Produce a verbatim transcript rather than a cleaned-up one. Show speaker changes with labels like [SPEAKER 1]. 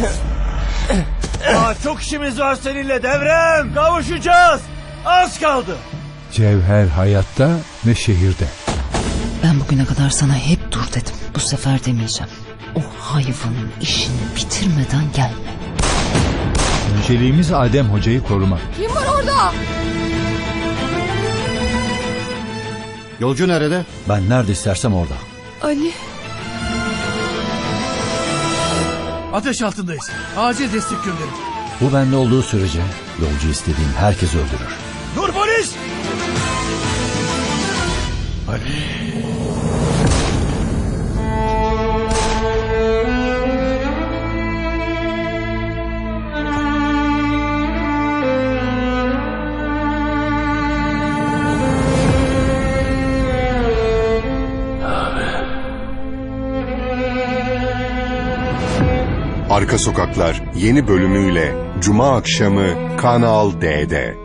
[SPEAKER 1] Aa, çok işimiz var seninle Devrem. Kavuşacağız. Az kaldı.
[SPEAKER 2] Cevher hayatta ve şehirde.
[SPEAKER 3] Ben bugüne kadar sana hep dur dedim. Bu sefer demeyeceğim. O hayvanın işini bitirmeden gelme.
[SPEAKER 2] Önceliğimiz Adem Hoca'yı korumak.
[SPEAKER 4] Kim var orada?
[SPEAKER 5] Yolcu nerede?
[SPEAKER 6] Ben nerede istersem orada.
[SPEAKER 4] Ali.
[SPEAKER 1] Ateş altındayız. Acil destek gönderin.
[SPEAKER 6] Bu bende olduğu sürece yolcu istediğim herkes öldürür.
[SPEAKER 1] Dur polis!
[SPEAKER 7] Arka Sokaklar yeni bölümüyle Cuma akşamı Kanal D'de.